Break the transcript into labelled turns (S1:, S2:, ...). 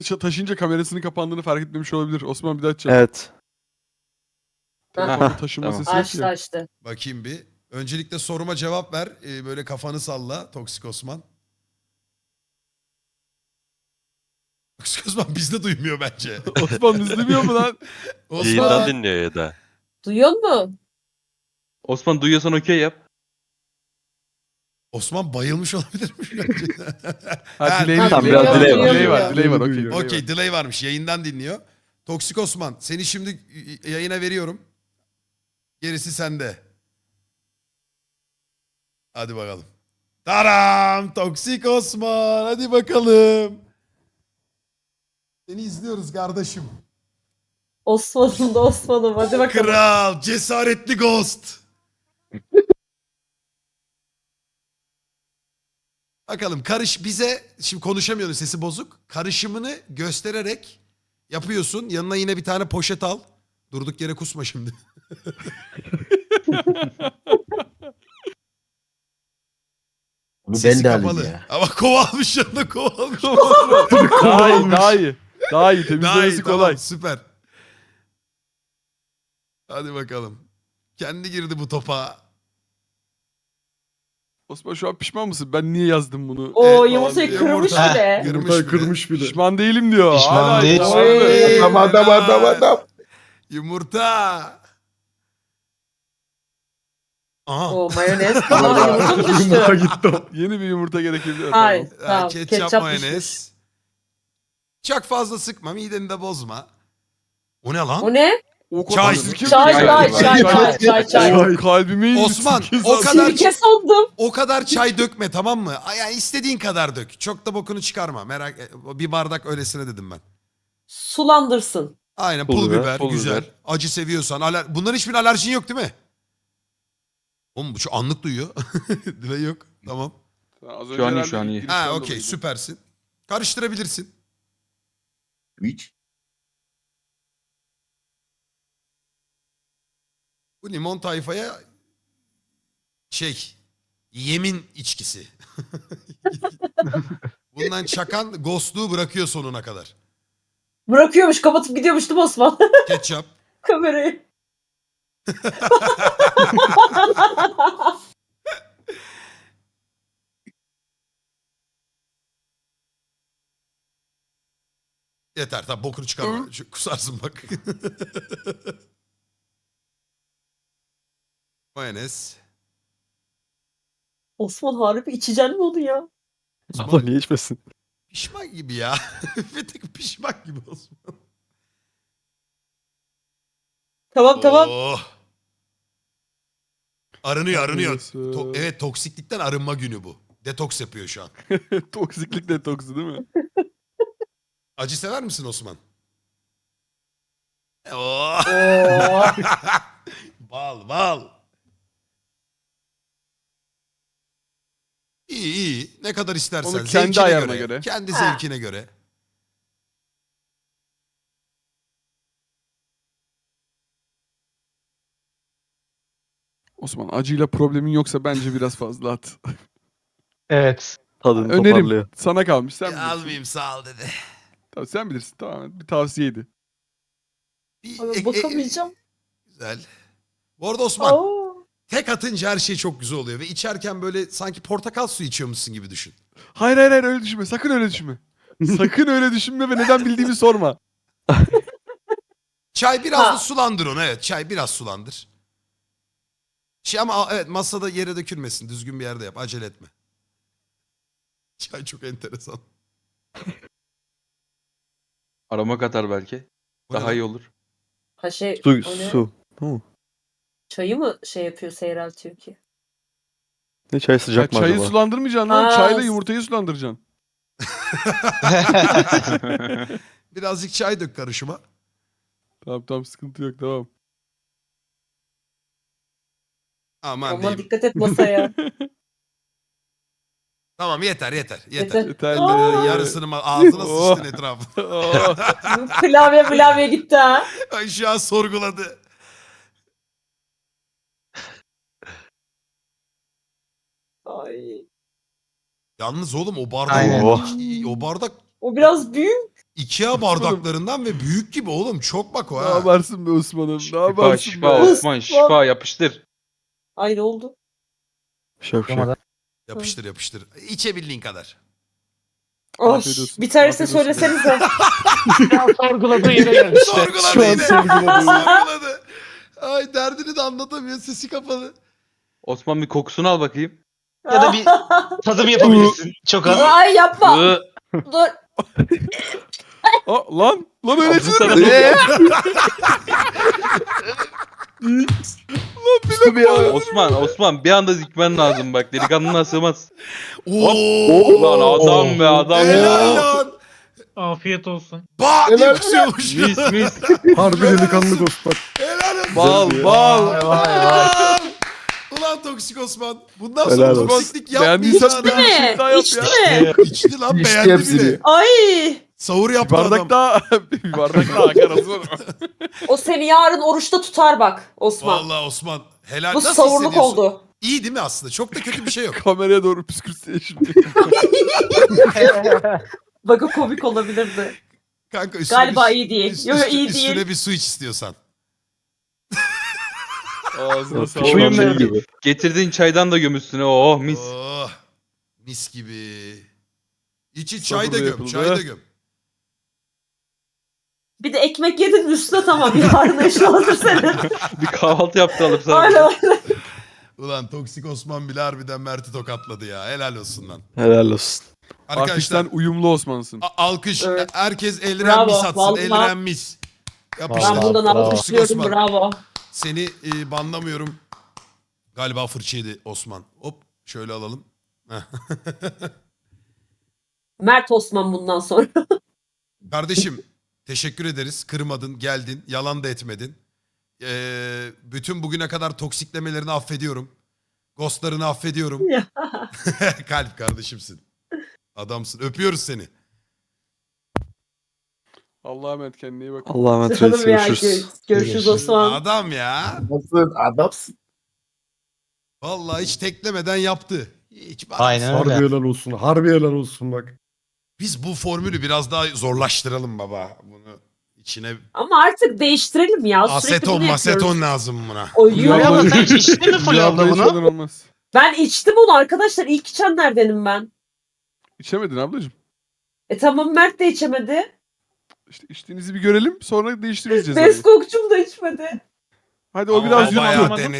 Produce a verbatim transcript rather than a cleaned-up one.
S1: Ça- Taşınca kamerasının kapandığını fark etmemiş olabilir. Osman bir daha açacağım.
S2: Evet.
S1: Telefonda taşınma
S3: Tamam.
S1: sesi yok
S4: Açtı
S1: ya.
S4: açtı.
S5: Bakayım bir. Öncelikle soruma cevap ver. Ee, böyle kafanı salla Toksik Osman. Toksik Osman bizde duymuyor bence.
S1: Osman biz duymuyor mu lan?
S3: Yayından
S5: Osman.
S3: dinliyor ya da.
S4: Duyuyor musun?
S6: Osman duyuyorsan okey yap.
S5: Osman bayılmış olabilir mi şu an?
S1: Ha,
S5: Ha,
S1: delay,
S2: tamam,
S1: delay,
S2: biraz
S1: delay,
S2: delay var.
S1: delay var. Delay var. Okey.
S2: Duyuyor.
S1: delay
S5: Okey
S1: var.
S5: delay varmış. Yayından dinliyor. Toksik Osman seni şimdi yayına veriyorum. Gerisi sende. Hadi bakalım. Taram! Toksik Osman. Hadi bakalım. Seni izliyoruz kardeşim.
S4: Osman'ım da Osman'ım. Hadi bakalım.
S5: Kral, cesaretli ghost. Bakalım karış bize, şimdi konuşamıyorum sesi bozuk. Karışımını göstererek yapıyorsun. Yanına yine bir tane poşet al. Durduk yere kusma şimdi. Sesi
S2: Ben de alayım
S5: kapalı.
S2: ya.
S5: Ama kova almış yanına kova almış.
S1: Daha iyi, daha iyi. Daha iyi.
S5: Daha iyi,
S1: Temizlemesi
S5: tamam,
S1: kolay.
S5: süper. Hadi bakalım. Kendi girdi bu topa.
S1: Osman şu an pişman mısın? Ben niye yazdım bunu?
S4: O
S5: Evet,
S4: yumurtayı
S5: vallahi.
S4: kırmış
S5: Yumurta.
S4: bile.
S5: Kırmış
S2: Yumurtayı
S5: bile.
S2: kırmış bile.
S1: Pişman değilim diyor.
S7: Pişman
S1: Hala
S7: değil.
S1: iddialı.
S5: Oy.
S2: Adam adam adam adam.
S5: Yumurta. Aha.
S4: O mayonez. Aa yumurta mı
S2: Yumurta
S4: düştü?
S2: gitti.
S1: Yeni bir yumurta gerekebilir.
S4: Hayır.
S1: Tamam.
S5: Ha,
S4: Tamam.
S5: ketçap,
S4: Ketçap
S5: mayonez.
S4: düşmüş.
S5: Çok fazla sıkma, mideni de bozma. O ne lan?
S4: O ne?
S1: O
S5: Çay.
S1: kadar sirke mi?
S4: Çay
S6: Çay,
S4: çay çay
S6: çay.
S4: çay çay çay.
S1: Kalbime indi.
S5: Osman,
S1: sirke
S5: o
S1: zaten.
S5: kadar-
S4: Sirke sandım.
S5: O kadar çay dökme, tamam mı? Ay, Yani istediğin kadar dök. Çok da bokunu çıkarma. Merak et. Bir bardak öylesine dedim ben.
S4: Sulandırsın.
S5: Aynen
S2: Pul
S5: pul,
S2: biber,
S5: biber,
S1: pul
S5: güzel.
S1: biber.
S5: Acı seviyorsan. Aler... Bunların hiçbir alerjin yok değil mi? Oğlum bu şu anlık duyuyor. Dilay yok. Tamam.
S1: Az
S6: Şu an iyi,
S1: herhalde
S6: şu an iyi.
S1: girişten
S5: Ha okey,
S1: dolayıydı.
S5: süpersin. Karıştırabilirsin.
S7: Hiç.
S5: Bu limon tayfaya şey, yemin içkisi. Bundan çakan ghostluğu bırakıyor sonuna kadar.
S4: Bırakıyormuş kapatıp gidiyormuş değil mi Osman?
S5: Ketçap.
S4: Kamerayı.
S5: Yeter tamam, bokunu çıkarma. Şu- Kusarsın bak. Mayonez.
S4: Osman harbi içeceksin mi onu ya?
S2: Abla niye içmesin?
S5: Pişman gibi ya. Bir tek pişman gibi Osman.
S4: Tamam tamam.
S5: Oh. Arınıyor arınıyor.
S1: Arınıyorsun.
S5: To- evet, toksiklikten arınma günü bu. Detoks yapıyor şu an.
S1: Toksiklik detoksu değil mi?
S5: Acı sever misin Osman? Oh.
S4: Oo.
S5: Bal bal. İyi iyi. Ne kadar istersen.
S1: Onu kendi
S5: Zevkine
S1: ayarına
S5: göre.
S1: göre.
S5: Kendi
S4: Ha.
S5: zevkine göre.
S1: Osman acıyla problemin yoksa bence biraz fazla at.
S7: Evet.
S2: Tadını
S1: Önerim
S2: toparlıyor.
S1: sana kalmış. Sen
S5: Ya,
S1: bilirsin.
S5: almayayım sağ ol dedi.
S1: Tamam, sen bilirsin. Tamam. Bir tavsiyeydi.
S5: Bir-
S4: Abi
S5: e- e-
S4: bakamayacağım.
S5: Güzel. Bu arada Osman,
S4: Aa.
S5: tek atınca her şey çok güzel oluyor. Ve içerken böyle sanki portakal suyu içiyormuşsun gibi düşün.
S1: Hayır hayır hayır öyle düşünme. Sakın öyle düşünme. Sakın öyle düşünme ve neden bildiğimi sorma.
S5: Çay biraz
S4: Ha.
S5: da sulandır onu. Evet, çay biraz sulandır. Şey ama evet, masada yere dökülmesin. Düzgün bir yerde yap. Acele etme. Çay çok enteresan.
S6: Aroma katar belki.
S5: Bu ne
S6: Daha
S5: lan?
S6: iyi olur.
S4: Ha şey
S2: Su,
S4: o ne?
S2: su. Tamam.
S4: Çayı mı şey yapıyor seyreltiyor ki?
S2: Ne çay
S1: Ya
S2: sıcak mı
S1: çayı
S2: acaba?
S1: sulandırmayacaksın lan.
S4: Aa,
S1: Çayla
S4: s-
S1: yumurtayı sulandıracaksın.
S5: Birazcık çay dök karışıma.
S1: Tamam tamam sıkıntı yok tamam.
S5: Aman
S4: Aman
S5: diyeyim.
S4: dikkat et masaya.
S5: Tamam yeter yeter. Yeter.
S4: Yeter.
S1: Yeter.
S4: Aa.
S5: Yarısını ma- ağzına
S1: Oh.
S5: sıçtın etrafı.
S1: Oh.
S4: Klavye klavye gitti ha.
S5: Ay şu an sorguladı.
S4: Ay.
S5: Yalnız oğlum o bardak
S7: Aynen.
S2: Oh.
S5: o bardak
S4: O biraz büyük.
S5: Ikea bardaklarından ve büyük gibi oğlum. Çok bak o
S1: Ne
S5: ha.
S1: yaparsın be Osman'ım? Ne
S6: Şifa
S1: yaparsın
S6: şifa
S1: be?
S6: Osman şifa yapıştır.
S4: Ay ne oldu?
S2: Şavşak.
S5: Yapıştır yapıştır. İçebildiğin kadar.
S4: Oh,
S1: Afiyet olsun.
S4: bir tanesi
S1: Afiyet olsun.
S4: söylesenize.
S7: Sorguladığı yere geldi işte.
S5: Sorguladı
S2: Şu an
S5: yine.
S2: sorguladı.
S5: Sorguladı. Ay derdini de anlatamıyor. Sesi kapalı.
S6: Osman bir kokusunu al bakayım.
S7: Ya da bir tadım yapabilirsin. Çok az.
S4: Ay yapma.
S6: Iı,
S4: Dur.
S1: Aa, lan lan öyle
S6: Ağzı sana
S1: içilir mi?
S6: bakıyor.
S2: Üstü bir ya.
S6: Osman Osman bir anda zikmen lazım bak. Delikanlına sığmaz.
S5: Oo.
S6: Lan adam be adam
S5: Helal
S6: ya.
S5: lan.
S7: Afiyet olsun.
S5: Bah diye
S2: Helal.
S5: kusuyormuş.
S6: Mis mis.
S2: Harbi delikanlı Osman.
S5: Helal olsun.
S1: Bal bal.
S7: Vay vay vay.
S5: Ulan toksik Osman. Bundan sonra
S2: Helal olsun.
S5: toksiklik
S1: Beğendiysen
S5: yapmayacağız.
S1: bir
S5: adam.
S1: şey daha yap
S4: İçti
S1: ya.
S4: mi?
S5: İçti lan
S2: İçti
S5: beğendi
S2: hepsini.
S5: bile.
S4: Ay.
S5: Sahur
S1: Bir
S5: yaptı adam.
S1: bardak daha. Bir bardak daha akar Osman.
S4: O seni yarın oruçta tutar bak Osman.
S5: Vallahi Osman. Helal.
S4: Bu
S5: Nasıl
S4: savurluk
S5: hissediyorsun?
S4: oldu.
S5: İyi değil mi aslında? Çok da kötü bir şey yok.
S1: Kameraya doğru püskürtse şimdi.
S4: Bak o komik olabilirdi.
S5: Kanka üstüne
S4: Galiba
S5: bir,
S4: iyi değil.
S5: üst-
S4: Yo yo
S5: üstü-
S4: iyi
S5: üstüne
S4: değil.
S5: bir su iç istiyorsan.
S1: Ağzına
S2: Pişman
S1: sağlık.
S2: şey gibi.
S6: Getirdiğin çaydan da gömüsüne. Oh mis.
S5: Oh, mis gibi. İç iç
S1: Sabırla
S5: çay da göm.
S1: yapıldı.
S5: Çay da göm.
S4: Bir de ekmek yedin mi üstüne tamam. Yarın işin hazır senin.
S6: Bir kahvaltı yaptı alıp sana.
S4: Aynen aynen.
S5: Ulan toksik Osman bile harbiden Mert'i tokatladı ya. Helal olsun lan.
S2: Helal olsun.
S1: Artık
S5: Arkadaşlar
S1: sen uyumlu Osman'sın.
S5: a- alkış.
S4: Evet.
S5: Herkes elren
S4: Bravo,
S5: mis atsın.
S4: vallahi.
S5: Elren mis. Yapıştır.
S4: Ben bundan
S7: Bravo.
S4: alkışlıyorum
S5: Osman.
S4: bravo.
S5: Seni e, banlamıyorum. Galiba fırça yedi Osman. Hop şöyle alalım. Heh.
S4: Mert Osman bundan sonra.
S5: Kardeşim teşekkür ederiz. Kırmadın, geldin, yalan da etmedin. Ee, bütün bugüne kadar toksiklemelerini affediyorum. Ghostlarını affediyorum.
S4: Ya.
S5: Kalp kardeşimsin. Adamsın. Öpüyoruz seni.
S1: Allah'a emanet kendine iyi bak.
S2: Allah'a emanet
S4: Canım
S2: reis.
S4: ya
S2: Görüşürüz.
S4: görüşürüz, görüşürüz
S7: Görüşürüz.
S4: Osman.
S5: Adam ya.
S7: Nasıl adamsın?
S5: Vallahi hiç teklemeden yaptı. Hiç bana-
S7: Aynen
S3: Harbi
S7: öyle.
S3: helal olsun. Harbi helal olsun bak.
S5: Biz bu formülü biraz daha zorlaştıralım baba. Bunu içine
S4: Ama artık değiştirelim ya. Sürekli
S5: aseton
S4: bunu yapıyoruz.
S5: maseton lazım buna.
S4: Oy,
S1: Fulya
S4: yo.
S1: abla-
S7: Sen içtin mi Fulya abla
S1: hiç
S7: bunu?
S1: yalan olmaz.
S4: Ben içtim onu arkadaşlar. İlk içenlerdenim ben.
S1: İçemedin ablacığım.
S4: E tamam Mert de içemedi.
S1: İşte içtiğinizi bir görelim sonra değiştiririz cezayı.
S4: Beskokçum da içmedi.
S1: Hadi o
S7: Ama
S1: biraz
S7: ben
S1: yuttu.
S7: bayağı
S5: Bayağı